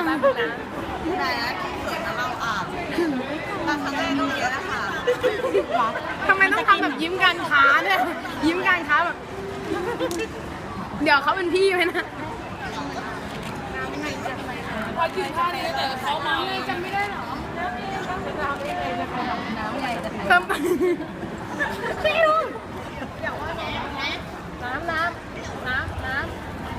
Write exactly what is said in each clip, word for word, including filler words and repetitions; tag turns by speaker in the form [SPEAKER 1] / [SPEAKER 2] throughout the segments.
[SPEAKER 1] แป๊บนึงนะแต่ที่เกิดเราอ่านเราทำได้ตรงนี้นะคะ
[SPEAKER 2] ทำไมต้องทำแบบยิ้มการค้าเนี่ยยิ้มการค้าแบบเดี๋ยวเขาเป็นพี่ไหมนะพอกินข้าวนี้แต่เขามาเลยจำไม่ได้หรอเพิ่มพี่ลุงน้ำน้ำน้ำน้ำ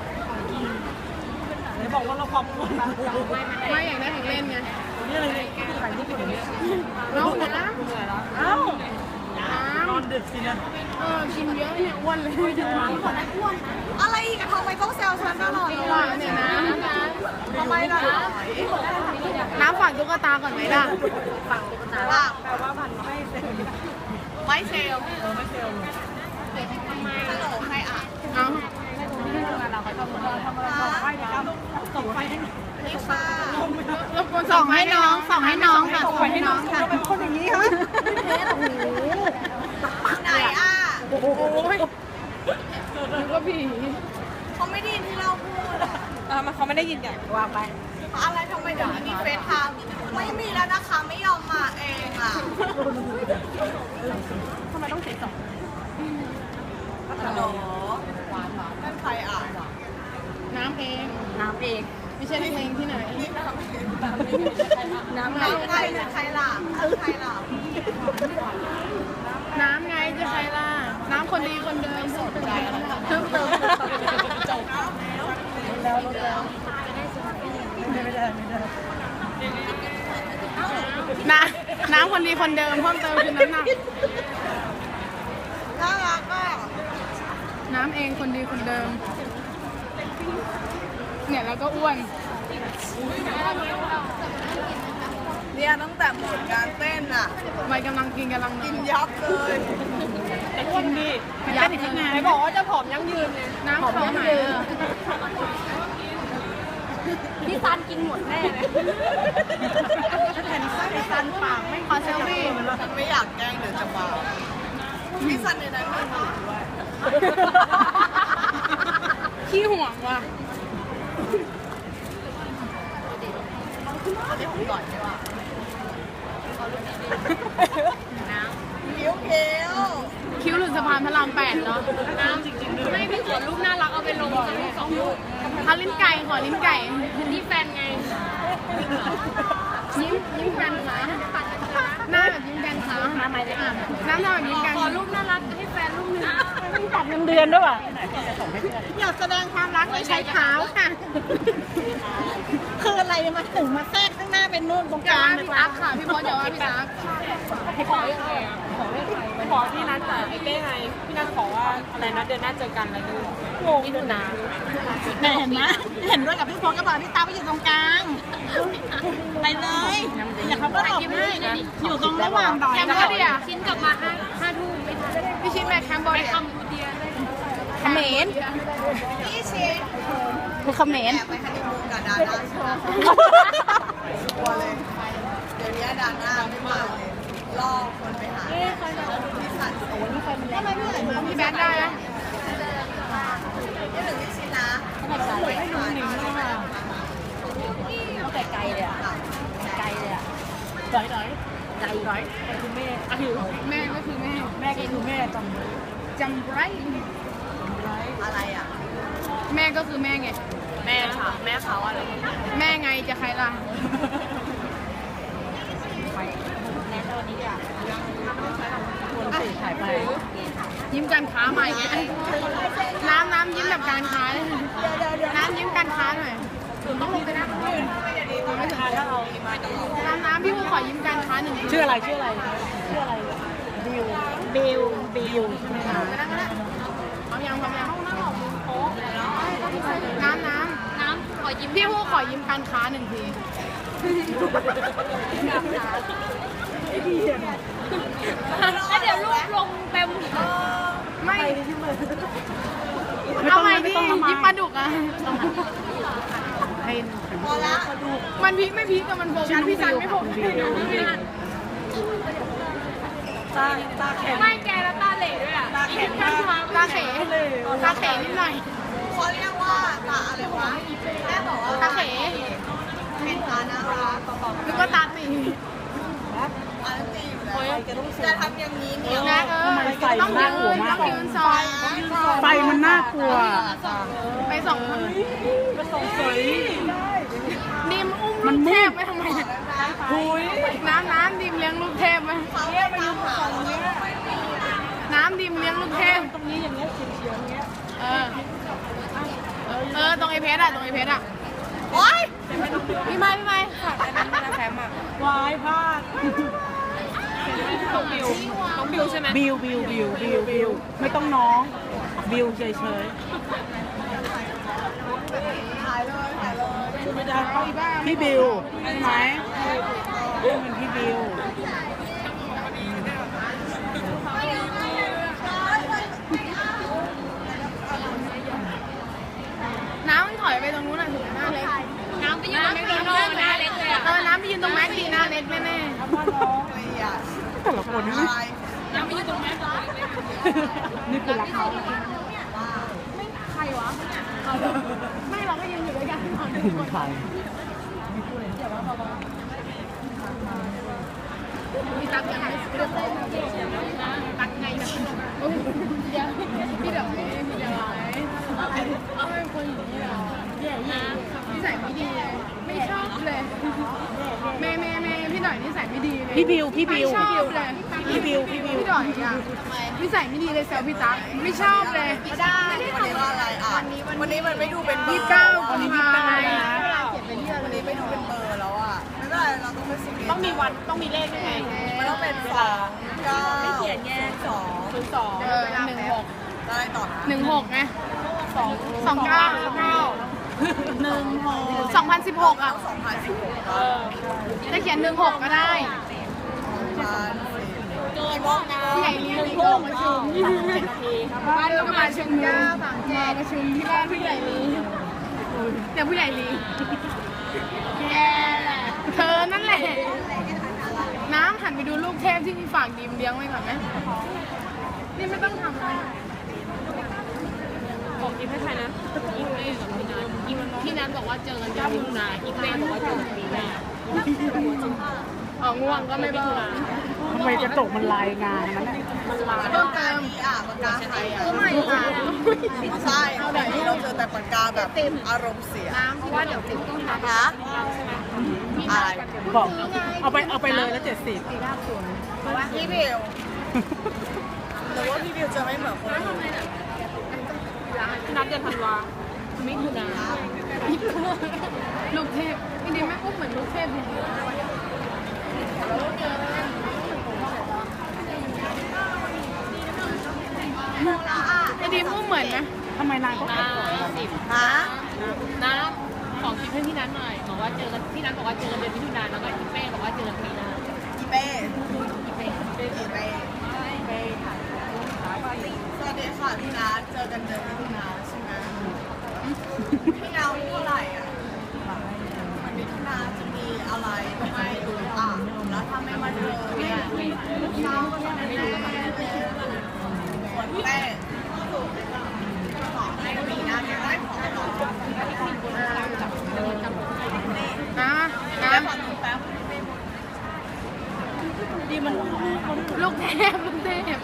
[SPEAKER 2] ไหนบอกว่าเราพร้อมไม่อยากได้ของเล่นไงนี่อะไรขายที่ญี่ปุ่นเนี่ยเอาน้ำเอาน้ำนอนดึกสินะเออกินเยอะเนี่ยอ้วนเลย
[SPEAKER 1] อะไรอีกอะทำไมต้องแซวฉันตลอดเลย
[SPEAKER 2] เนี่ยนะ
[SPEAKER 1] ทำไมล่ะ
[SPEAKER 2] น้ำฝากตุ๊กตาก่อนไหมล่ะ
[SPEAKER 1] ฝากตุ๊กตาว่าแปลว่าพันไม่เซลไม่เซลเออไม่เซลทำไมฮัลโหลใครอ่ะ
[SPEAKER 2] เอา
[SPEAKER 1] เราเขาทำอะไรทำอะไรส่งไฟนะครับส่งไฟให้นี่ค่ะ
[SPEAKER 2] ส่งให้น้องส่งให้น้องค่ะส่งให้น้องค่ะ
[SPEAKER 1] เป็นคนอย่างนี้ฮะไหนอ่ะ
[SPEAKER 2] โอ้โหนึกว่าผี
[SPEAKER 1] เขาไม่ได้ยินที่เราพูด
[SPEAKER 2] เออมันเขาไม่ได้ยินอย่างว่าไป
[SPEAKER 1] อะไรทำไมเดี๋ยวนี้มีเฟซไทม์ไม่มีแล้วนะคะไม่ยอมมาเองอ่ะ
[SPEAKER 2] ทำไมต้องเสียสอง
[SPEAKER 1] ฮัลโหลนั่นใครอ่ะ
[SPEAKER 2] น้ำเอง
[SPEAKER 1] น้ำเอง
[SPEAKER 2] ไม่ใช่เพลงที่ไหน
[SPEAKER 1] น้ำไงใครใครล่ะใครล่ะ
[SPEAKER 2] น้ำไงจะใครล่ะน้ำคนดีคนเดิมเพิ่มเติมเพิ่มเติมจบแล้วแล้วไม่ได้ไม่ได้น้ำน้ำคนดีคนเดิมเพิ่มเติมคือน้ำหนัก
[SPEAKER 1] น่ารักอ่ะ
[SPEAKER 2] น้ำเองคนดีคนเดิมเนี่ยแล้วก็อ้วน
[SPEAKER 1] เนี่ยตั้งแต่หมดการเต้นอ่ะ
[SPEAKER 2] วัยกำลังกินกำลัง
[SPEAKER 1] กินยับเลย
[SPEAKER 2] แต่กินดียับยังไงไหนบอกว่าจะผอมยั่งยืนเนี่ยน้ำผอมยั่งยืน
[SPEAKER 1] พี่ซันกินหมดแน่เลย
[SPEAKER 2] เห็นพี่ซันปากไม่ขอเซลฟี่
[SPEAKER 1] ฉันไม่อยากแกล้งเดี๋ยวจะบาปพี่ซันในนั้นมีหนูด้วย
[SPEAKER 2] ขี้ห่วงว่ะ
[SPEAKER 1] อันนี้ผมก่อนใช่ป่ะน้ำคิ้วเขียว
[SPEAKER 2] คิ้วหลุดสะพานพระรามแปดเนาะน้ำจริงๆไม่พี่ขอรูปน่ารักเอาไปลงสองรูปเขาลิ้นไก่ขอลิ้นไก่นี่แฟนไงยิ้มยิ้มกันขาหน้าแบบยิ้มกันขาน้ำอะไรอ่ะน้ำหน้าแบบยิ้มกันขอรูปน่ารักให้แฟนรูปนึงไม่ตัดเงินเดือนด้วยว่ะอยากแสดงความรักโดยใช้เท้าค่ะ
[SPEAKER 1] คืออะไรมาถึงมาแทรกข้างหน้าเป็นนู่นตรงกลาง
[SPEAKER 2] พี่ตั๊กค่ะพี่บอสอย่าว่าพี่ตั๊ก
[SPEAKER 3] ขอยังไงอ่ะขอให้ใครขอพี่นัทแต่ไอ้เต้ไงพี่นัทขอว่าอะไรนะเดือนหน้าเจอกันอะไรนู่นงงดูนะ
[SPEAKER 1] แม่เห็นไหมเห็นด้วยกับพี่พงกับพี่ตาไปอยู่ตรงกลางไปเลยอย่าเขาก็หลบให้อยู่ตรงระหว่างดอย
[SPEAKER 2] แคมเบอร์เดีย
[SPEAKER 3] ชิ้นกลับมาห้าห้าทุ่ม
[SPEAKER 2] พี่ชิ้นแม่แคมเบอร์เดียเขมร
[SPEAKER 1] พี่ชิ้น
[SPEAKER 2] คือเขมร
[SPEAKER 1] ไปฮันนีมูนกับดาน่าใช่ไหมกลัวเลยเดี๋ยวนี้ดาน่าไม่มาเลยล่อคนไปหาพี่สันโอ้นี่ใครมันแรงทำไมพี่ไหนมา
[SPEAKER 2] พี่แบงค์ได้นะ
[SPEAKER 1] นี่ถึงพี่ชิ้นนะ
[SPEAKER 3] ไม่ดูหนิงเลยอ่ะเขาไกลเลยอ่ะไกลเลยอ่ะดอยดอยไกลดอยคือแม่อ่ะคือ
[SPEAKER 2] แม่ก็คือแม่
[SPEAKER 3] แม่ก็คือแม่จ
[SPEAKER 2] ำจำไร
[SPEAKER 1] อะไรอ่ะ
[SPEAKER 2] แม่ก็คือแม่ไง
[SPEAKER 3] แม่ค่ะแม่เขาอะไร
[SPEAKER 2] แม่ไงจะใครล่ะ
[SPEAKER 3] แม่ตัวนี้อ่ะถ่ายไป
[SPEAKER 2] ยิ้มการค้าใหม่ไงน้ำน้ำยิ้มแบบการค้าน้ำยิ้มการค้าหน่อยต้องลงไปนั่งน้ำน้ำพี่ผู้ขอยิ้มการค้าหนึ่ง
[SPEAKER 3] ชื่ออะไรชื่ออะไรชื่ออะไรบิวบิวบิวใช่ไหมคะ
[SPEAKER 2] พร้อมยังพร้อมยังน้ำน้ำ
[SPEAKER 3] น้ำขอยิ้ม
[SPEAKER 2] พี่ผู้ขอยิ้มการค้าหนึ่งที
[SPEAKER 3] แล้วเดี๋ยวรูปลงเต็ม
[SPEAKER 2] ไม่เอาไปดิยิ้มปลาดุกอ่ะ
[SPEAKER 1] พอละ
[SPEAKER 2] มันพีคไม่พีคกับมันโฟกัสพี่ซันไม่โฟกัส
[SPEAKER 1] ตาตาแข็ง
[SPEAKER 3] ไม่แกแล้วตาเหล่ด้วยอ่ะ
[SPEAKER 1] ตาแข็ง
[SPEAKER 2] ตาเขยตาเขยนิดหน่อย
[SPEAKER 1] เขาเรียกว่าตาอะไรวะแม่บอกว่า
[SPEAKER 2] ตาเขย
[SPEAKER 1] เป็นตาน่ารัก
[SPEAKER 2] นึกว่าตาตี
[SPEAKER 1] อันตีอยู่แล้วจะทำอย่างนี้เนี่ย
[SPEAKER 2] นะเออ
[SPEAKER 4] ทำไมไฟมันน่ากลัวมาก
[SPEAKER 2] ต้องยืนซอย
[SPEAKER 4] ไฟมันน่ากลัว
[SPEAKER 2] ไปส่องไปส่องสวยดิมอุ้มลูกเทพไปทำไมน้ำน้ำดิมเลี้ยงลูกเทพไหม
[SPEAKER 1] เขาไม่มาหาเราเนี่ย
[SPEAKER 2] น้ำดิมเลี้ยงลูกเทพตรงนี้อย่างเงี้ยเฉียวๆอย่างเงี้ยเออเออตรงไอเพชรอะตรงไอเพชรอะ
[SPEAKER 1] โอ๊ย
[SPEAKER 2] พี่ไม้พี่ไม้ฝากอันนั้นนะแฟมอะ
[SPEAKER 4] วายพลาด
[SPEAKER 2] ต้องบิวต้องบิวใช่ไหม
[SPEAKER 4] บิวบิวบิวบิวบิวไม่ต้องน้องบิวเฉยเฉย
[SPEAKER 1] ถ่ายเลยถ่ายเลย
[SPEAKER 4] ๆพี่บิวใช่ไหมเป็นพี่บิว
[SPEAKER 2] น้ำมันถอยไปตรงนู้นอะถึงหน้าเล็กน้ำไปยืนตรงแม็กดีโน่หน้าเล็กเลยอะเออน้ำไปยืนตรงแม็กดีหน้าเล็กแน่
[SPEAKER 1] อะไรอ่ะ
[SPEAKER 4] แต่ละคนนี่
[SPEAKER 1] อะไร
[SPEAKER 2] ๆน้ำไปยืนตรงแม็กดี
[SPEAKER 4] นี่คือรักเขา
[SPEAKER 2] ใครวะไม่เราก็ยืนอยู่ด้วยกันตอน
[SPEAKER 4] ถึงใคร
[SPEAKER 2] มีตักยังไงตักไงนะเดี๋ยวพี่เดี๋ยวพี่เดี๋ยวเอาเป็นคนอย่างนี้เหรอนิสัยไม่ดีเลยไม่ชอบเลยแม่แม่แม่พี่หน่อยนิสัยไม่ดีเลย
[SPEAKER 4] พี่บิวพี่บิว
[SPEAKER 2] ไม่ชอบเลย
[SPEAKER 4] พี่บิวพี่บิว
[SPEAKER 2] พี่หน่อยอ่ะนิสัยไม่ดีเลยแซวพี่ตั๊กไม่ชอบเลย
[SPEAKER 1] ไม่ได้วันนี้ว่าอะไรอ่ะวันนี้มันไม่ดูเป็นเบอร์
[SPEAKER 2] ยี่สิบเก้ากุมภาพันธ์
[SPEAKER 1] วันนี้ไม่ดูเป็นเบอร์แล้วอ่ะไม่เป็นไรเราต้องไปสิบเอ็ด
[SPEAKER 3] ต้องมีวันต้องมีเลขด้วยไง
[SPEAKER 1] มันต้องเป็นสองเก้า
[SPEAKER 3] ไม่เขียนแยก
[SPEAKER 1] สอง
[SPEAKER 3] ศูนย์สอง
[SPEAKER 2] เออหนึ่งหก
[SPEAKER 1] อะไรต่อนะ
[SPEAKER 2] หนึ่งหกไง
[SPEAKER 3] สอง
[SPEAKER 2] สองเก้า
[SPEAKER 3] เก้า
[SPEAKER 4] หนึ่งหก
[SPEAKER 2] สองพันสิบหกอ่ะ
[SPEAKER 1] สองพันสิบหก
[SPEAKER 3] เออ
[SPEAKER 2] จะเขียนหนึ่งหกก็ได้
[SPEAKER 1] พัน
[SPEAKER 3] เกินนะ
[SPEAKER 2] ผู้ใหญ่ลีลีโกประชุมบ้านเราก็มาประชุมเก้าสามเจ็ดประชุมที่บ้านผู้ใหญ่ลีแต่ผู้ใหญ่ลีแย่เธอนั่นแหละ น้ำหันไปดูลูกเทพที่มีฝากดีมเลี้ยงไว้ก่อนไหมนี่ไม่ต้องทำอะไร
[SPEAKER 3] บอกยิ้มให้ใครนะยิ้มเล่กับพี่นัทยิ้มพี่นัทบอกว่าเจอกันเดือนมิถุนายิ้มเล่บอกว่าเจอกันปีหน้า
[SPEAKER 2] อ๋อง่วงก็ไม่บอก
[SPEAKER 4] ทำไมกระจกมันลายงานนั้นน่ะ
[SPEAKER 3] มันลา
[SPEAKER 2] เพิ่มเติม
[SPEAKER 1] นี่อ่ะปากกาไทยอ่ะ
[SPEAKER 2] ก็ไม่ค่ะ
[SPEAKER 1] ใช่แต่นี่เราเจอแต่ปากกาแบบอารมณ์เสีย
[SPEAKER 2] น้ำเพราะว่าเดี๋ยวติดต้องทำ
[SPEAKER 1] นะอะไร
[SPEAKER 4] บอกเอาไปเอาไปเลยแล้วเจ็ดสิบ
[SPEAKER 1] พี่บิวหรือว่าพี่บิวจะไม่เหมือนคนอื่น
[SPEAKER 3] พี่นัทเดือนธันวามิถุนา
[SPEAKER 2] ลูกเทพจริงๆแม่อุ้มเหมือนลูกเทพจริงไอ้ดีมอุ้มเหมือนนะ
[SPEAKER 4] ทำไมนางก็
[SPEAKER 3] หน้าสิบ
[SPEAKER 1] ฮะ
[SPEAKER 3] น้ำของคลิปให้พี่นัทหน่อยบอกว่าเจอกันพี่นัทบอกว่าเจอกันเดือนมิถุนาแล้วก็พี่เป้บอกว่าเจอกันปีหน้า
[SPEAKER 1] อีเป้อีเป้อีเป้สวัสดีค่ะพี่นัทเจอกันเดือนมิถุนาใช่ไหมพี่นาวเท่าไหร่อ่ะวันมิถุนาจะมีอะไรไม่รู้อ่ะแล้วถ้าไม่มาเจอเนี่ยพี่นาวก็จะไม่รู้ส่วนแป้งขอให้ปีหน้าจะได้ของต่อ
[SPEAKER 2] นะนะ
[SPEAKER 1] แล้วขอดูแป๊บ
[SPEAKER 4] ดีมัน
[SPEAKER 2] ลูกเทพลูกเทพ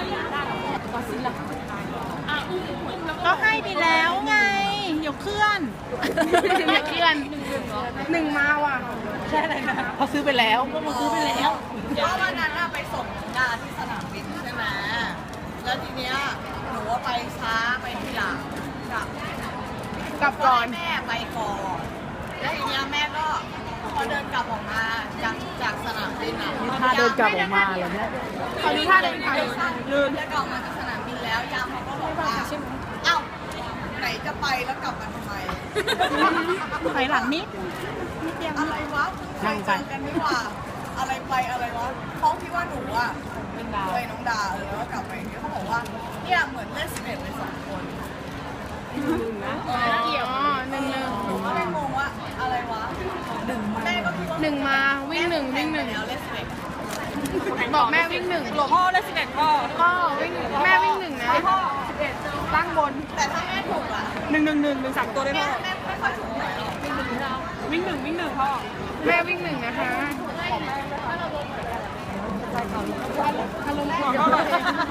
[SPEAKER 4] ก็ให้ไปแล้วไงเดี๋ยวเคลื่อน
[SPEAKER 2] อย่าเคลื่อนหนึ่งมาว่ะ
[SPEAKER 4] ใช่อะไรนะเขาซื้อไปแล้วก็มันซื้อไปแล้ว
[SPEAKER 1] เพราะวันนั้นน่ะไปส่งงานที่สนามบินใช่ไหมแล้วทีเนี้ยหนูว่าไปช้าไปทีหลังกลับ
[SPEAKER 2] กลับก่อน
[SPEAKER 1] แม่ไปก่อนแล้วทีเนี้ยแม่ก็พอเดินกลับออกมาจากจากสนามบินอ่ะ
[SPEAKER 4] นี่ถ้าเดินกลับออกมาเหรอเนี่ย
[SPEAKER 2] ตอนนี้ท่าเดินทาง
[SPEAKER 1] ลืมแล้วกลับมาจากสนามบินแล้วยามเขาก็บอกว่าเอ้าไหนจะไปแล้วกลับมาทำไม
[SPEAKER 4] ถอยหลังนิด
[SPEAKER 1] อะไรวะเคยเจอกันไม่ว่าอะไรไปอะไรวะเพราะที่ว่าหนูอ่ะเป็นดาวไปน้องดาวแล้วก็กลับไปเนี่ยเขาบอกว่าเนี่ยเหมือนเล่นสิบเอ็ดไปสองคน
[SPEAKER 2] เกี่ยวหนึ่งหนึ่ง
[SPEAKER 1] หนูก็เลยงงว่าอะไรวะหนึ่งแม่ก็คิดว่า
[SPEAKER 2] หนึ่งมาวิ่งหนึ่งวิ่งหนึ่ง
[SPEAKER 1] แล้วเล่นสิบเอ็ด
[SPEAKER 2] บอกแม่วิ่งหนึ่ง
[SPEAKER 3] พ่อได้สิบเอ็ดพ่อ
[SPEAKER 2] พ่อวิ่งแม่วิ่งหนึ่งนะสิบเอ็ดตั้งบน
[SPEAKER 1] แต่ถ้าแม่ถูกอ่ะ
[SPEAKER 4] หนึ่งหนึ่งหนึ่งหนึ่งสามตัวได้
[SPEAKER 1] แม่
[SPEAKER 4] ไหม
[SPEAKER 1] แม่ไม่ค่อยถูกหวยหรอก
[SPEAKER 2] วิ่งหนึ่งวิ่งหนึ่งพ่อแม่วิ่งหนึ่งนะคะอารมณ์ของก็เลย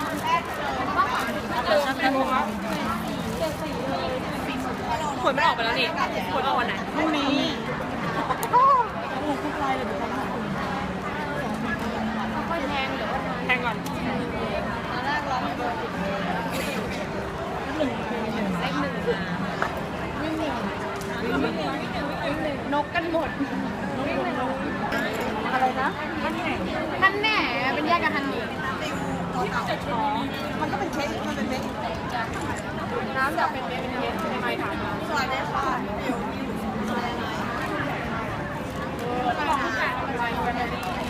[SPEAKER 2] ผลไม่ออกไปแล้วนี่ผลออกวันไหนพรุ่งนี้ค่อยแทงหรือว่าแทงก่อนตอนแรกร้องเบอร์เลขหนึ่งวิ่งหนึ่งวิ่งหนึ่งวิ่งหนึ่งนกกันหมดวิ่งหนึ่งอะไรนะฮันแหน่เป็นแยกกับฮันนี่มันก็เป็นเค้กมันเป็นเค้กน้ำจะเป็นเค้กเป็นเค้กทำไมถามมา
[SPEAKER 1] สวัสดีค่ะพี่บิวอะไรนะ
[SPEAKER 2] เออต้องบอกผู้ชายทำอะไรกันดี